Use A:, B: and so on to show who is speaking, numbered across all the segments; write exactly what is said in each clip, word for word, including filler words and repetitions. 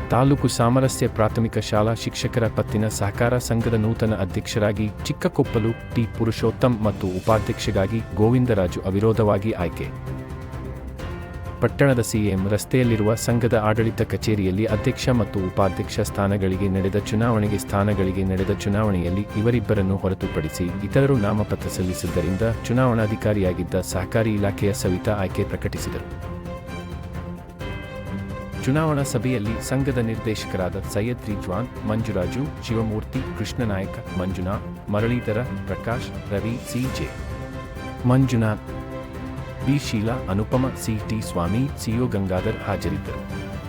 A: ತಾಲೂಕು ಸಾಮರಸ್ಯ ಪ್ರಾಥಮಿಕ ಶಾಲಾ ಶಿಕ್ಷಕರ ಪತ್ತಿನ ಸಹಕಾರ ಸಂಘದ ನೂತನ ಅಧ್ಯಕ್ಷರಾಗಿ ಚಿಕ್ಕಕೊಪ್ಪಲು ಟಿ ಪುರುಷೋತ್ತಮ್ ಮತ್ತು ಉಪಾಧ್ಯಕ್ಷರಾಗಿ ಗೋವಿಂದರಾಜು ಅವಿರೋಧವಾಗಿ ಆಯ್ಕೆ. ಪಟ್ಟಣದ ಸಿಎಂ ರಸ್ತೆಯಲ್ಲಿರುವ ಸಂಘದ ಆಡಳಿತ ಕಚೇರಿಯಲ್ಲಿ ಅಧ್ಯಕ್ಷ ಮತ್ತು ಉಪಾಧ್ಯಕ್ಷ ಸ್ಥಾನಗಳಿಗೆ ನಡೆದ ಚುನಾವಣೆಗೆ ಸ್ಥಾನಗಳಿಗೆ ನಡೆದ ಚುನಾವಣೆಯಲ್ಲಿ ಇವರಿಬ್ಬರನ್ನು ಹೊರತುಪಡಿಸಿ ಇತರರು ನಾಮಪತ್ರ ಸಲ್ಲಿಸಿದ್ದರಿಂದ ಚುನಾವಣಾಧಿಕಾರಿಯಾಗಿದ್ದ ಸಹಕಾರಿ ಇಲಾಖೆಯ ಸವಿತಾ ಆಯ್ಕೆ ಪ್ರಕಟಿಸಿದರು. ಚುನಾವಣಾ ಸಭೆಯಲ್ಲಿ ಸಂಘದ ನಿರ್ದೇಶಕರಾದ Syed Rizwan, Manjuraju, Shivamurthy, Krishnanayaka, Manjunath, Muralidhara, Prakash, Ravi, CJ Manjunath, B Sheela, Anupama, C T Swamy, CO Gangadhar ಹಾಜರಿದ್ದರು.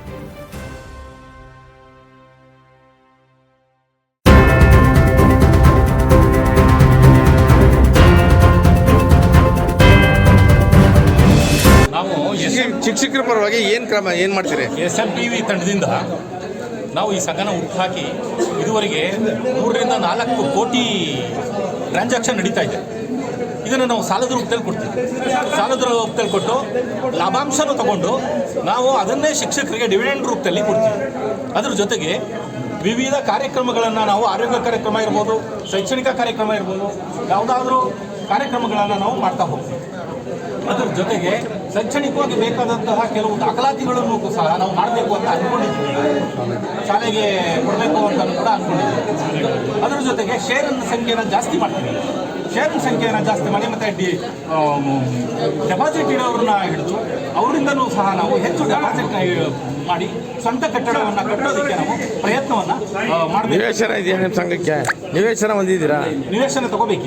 B: ನಾವು
C: ಶಿಕ್ಷಕರ ಪರವಾಗಿ ಏನು ಕ್ರಮ ಏನು ಮಾಡ್ತೀರಿ?
B: ಎಸ್ ಎಂ ಟಿ ವಿ ತಂಡದಿಂದ ನಾವು ಈ ಸಂಘನ ಹುಟ್ಟುಹಾಕಿ ಇದುವರೆಗೆ ಮೂರರಿಂದ ನಾಲ್ಕು ಕೋಟಿ ಟ್ರಾನ್ಸಾಕ್ಷನ್ ನಡೀತಾ ಇದೆ. ಇದನ್ನು ನಾವು ಸಾಲದ ರೂಪದಲ್ಲಿ ಕೊಡ್ತೀವಿ. ಸಾಲದ ರೂಪದಲ್ಲಿ ಕೊಟ್ಟು ಲಾಭಾಂಶನೂ ತಗೊಂಡು ನಾವು ಅದನ್ನೇ ಶಿಕ್ಷಕರಿಗೆ ಡಿವಿಡೆಂಡ್ ರೂಪದಲ್ಲಿ ಕೊಡ್ತೀವಿ. ಅದರ ಜೊತೆಗೆ ವಿವಿಧ ಕಾರ್ಯಕ್ರಮಗಳನ್ನು ನಾವು ಆರೋಗ್ಯ ಕಾರ್ಯಕ್ರಮ ಇರ್ಬೋದು, ಶೈಕ್ಷಣಿಕ ಕಾರ್ಯಕ್ರಮ ಇರ್ಬೋದು, ಯಾವುದಾದ್ರೂ ಕಾರ್ಯಕ್ರಮಗಳನ್ನು ನಾವು ಮಾಡ್ತಾ ಹೋಗ್ತೀವಿ. ಅದರ ಜೊತೆಗೆ ಶೈಕ್ಷಣಿಕವಾಗಿ ಬೇಕಾದಂತಹ ಕೆಲವು ದಾಖಲಾತಿಗಳನ್ನು ಸಹ ನಾವು ಮಾಡಬೇಕು ಅಂತ ಅಂದ್ಕೊಂಡಿದ್ದೀವಿ. ಶಾಲೆಗೆ ಕೊಡಬೇಕು ಅಂತ ಕೂಡ ಅಂದ್ಕೊಂಡಿದ್ದೀವಿ. ಅದರ ಜೊತೆಗೆ ಶೇರಿನ ಸಂಖ್ಯೆನ ಜಾಸ್ತಿ ಮಾಡ್ತೀವಿ. ಶೇರಿನ ಸಂಖ್ಯೆಯನ್ನು ಜಾಸ್ತಿ ಮಾಡಿ ಮತ್ತು ಡಿ ಡೆಪಾಸಿಟ್ ಇಡೋರನ್ನ ಹಿಡಿದು ಅವರಿಂದಲೂ ಸಹ ನಾವು ಹೆಚ್ಚು ಡೆಪಾಸಿಟ್ ಮಾಡಿ ಸ್ವಂತ ಕಟ್ಟಡವನ್ನು ಕಟ್ಟೋದಕ್ಕೆ ನಾವು ಪ್ರಯತ್ನವನ್ನು ಮಾಡಬೇಕು.
C: ನಿವೇಶನ ಇದೆಯಾ ನಿಮ್ಮ ಸಂಘಕ್ಕೆ? ನಿವೇಶನ ಹೊಂದಿದ್ದೀರಾ?
B: ನಿವೇಶನ ತಗೋಬೇಕು.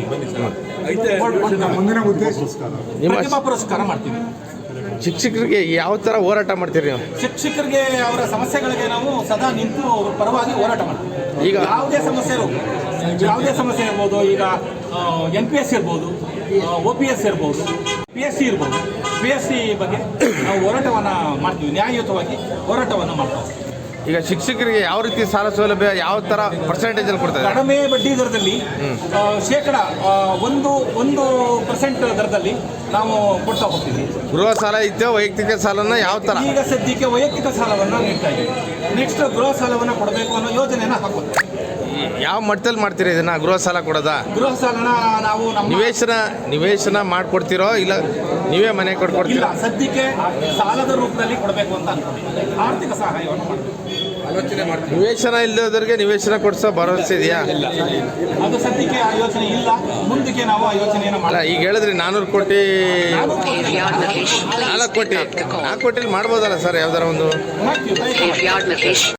B: ಪ್ರತಿಭಾ ಪುರಸ್ಕಾರ ಮಾಡ್ತೀವಿ.
C: ಶಿಕ್ಷಕರಿಗೆ ಯಾವ ಥರ ಹೋರಾಟ ಮಾಡ್ತೀರಿ ನೀವು?
B: ಶಿಕ್ಷಕರಿಗೆ ಅವರ ಸಮಸ್ಯೆಗಳಿಗೆ ನಾವು ಸದಾ ನಿಂತು ಅವ್ರ ಪರವಾಗಿ ಹೋರಾಟ ಮಾಡ್ತೀವಿ. ಈಗ ಯಾವುದೇ ಸಮಸ್ಯೆ ಇರ್ಬೋದು, ಯಾವುದೇ ಸಮಸ್ಯೆ ಇರ್ಬೋದು. ಈಗ ಎನ್ ಪಿ ಎಸ್ ಇರ್ಬೋದು, ಒ ಪಿ ಎಸ್ ಇರ್ಬೋದು, ಪಿ ಎಸ್ ಸಿ ಇರ್ಬೋದು. ಪಿ ಎಸ್ ಸಿ ಬಗ್ಗೆ ನಾವು ಹೋರಾಟವನ್ನು ಮಾಡ್ತೀವಿ. ನ್ಯಾಯಯುತವಾಗಿ ಹೋರಾಟವನ್ನು ಮಾಡ್ತೀವಿ.
C: ಈಗ ಶಿಕ್ಷಕರಿಗೆ ಯಾವ ರೀತಿ ಸಾಲ ಸೌಲಭ್ಯ ಯಾವ ಥರ ಪರ್ಸೆಂಟೇಜಲ್ಲಿ ಕೊಡ್ತಾರೆ?
B: ಕಡಿಮೆ ಬಡ್ಡಿ ದರದಲ್ಲಿ ಶೇಕಡ ಒಂದು ಒಂದು ಪರ್ಸೆಂಟ್ ದರದಲ್ಲಿ ನಾವು ಕೊಡ್ತಾ ಹೋಗ್ತೀವಿ.
C: ಗೃಹ ಸಾಲ ಇತ್ತು, ವೈಯಕ್ತಿಕ ಸಾಲನ ಯಾವ ಥರ?
B: ಈಗ ಸದ್ಯಕ್ಕೆ ವೈಯಕ್ತಿಕ ಸಾಲವನ್ನು ನೀಡ್ತಾ ಇದ್ದೀವಿ. ನೆಕ್ಸ್ಟ್ ಗೃಹ ಸಾಲವನ್ನು ಕೊಡಬೇಕು ಅನ್ನೋ ಯೋಜನೆಯನ್ನು ಹಾಕೋದು.
C: ಯಾವ ಮಟ್ಟದಲ್ಲಿ ಮಾಡ್ತೀರಿ ಇದನ್ನ ಗೃಹ ಸಾಲ ಕೊಡೋದಾ?
B: ಗೃಹ ಸಾಲನ ನಾವು ನಮ್ಮ
C: ನಿವೇಶನ ನಿವೇಶನ ಮಾಡ್ಕೊಡ್ತೀರೋ ಇಲ್ಲ ನೀವೇ ಮನೆ ಕೊಡ್ಕೊಡ್ತೀರಾ?
B: ಸದ್ಯಕ್ಕೆ ಸಾಲದ ರೂಪದಲ್ಲಿ ಕೊಡಬೇಕು ಅಂತ ಅನ್ಕೊಂಡಿದ್ದೀವಿ. ಆರ್ಥಿಕ ಸಹಾಯವನ್ನು ಮಾಡಬೇಕು ಆಲೋಚನೆ ಮಾಡ್ತೀವಿ.
C: ನಿವೇಶನ ಇಲ್ಲದವರಿಗೆ ನಿವೇಶನ ಕೊಡಿಸೋ ಭರವಸೆ ಇದೆಯಾ?
B: ಅದು ಸದ್ಯಕ್ಕೆ ಆ ಯೋಚನೆ ಇಲ್ಲ. ಮುಂದಕ್ಕೆ ನಾವು ಆ ಯೋಚನೆಯನ್ನು
C: ಅಲ್ಲ, ಈಗ ಹೇಳಿದ್ರಿ ನಾನ್ನೂರು ಕೋಟಿ ನಾಲ್ಕು ಕೋಟಿ ನಾಲ್ಕು ಕೋಟಿಲಿ ಮಾಡ್ಬೋದಲ್ಲ ಸರ್ ಯಾವ್ದಾರ ಒಂದು?
B: ಮಾಡ್ತೀವಿ.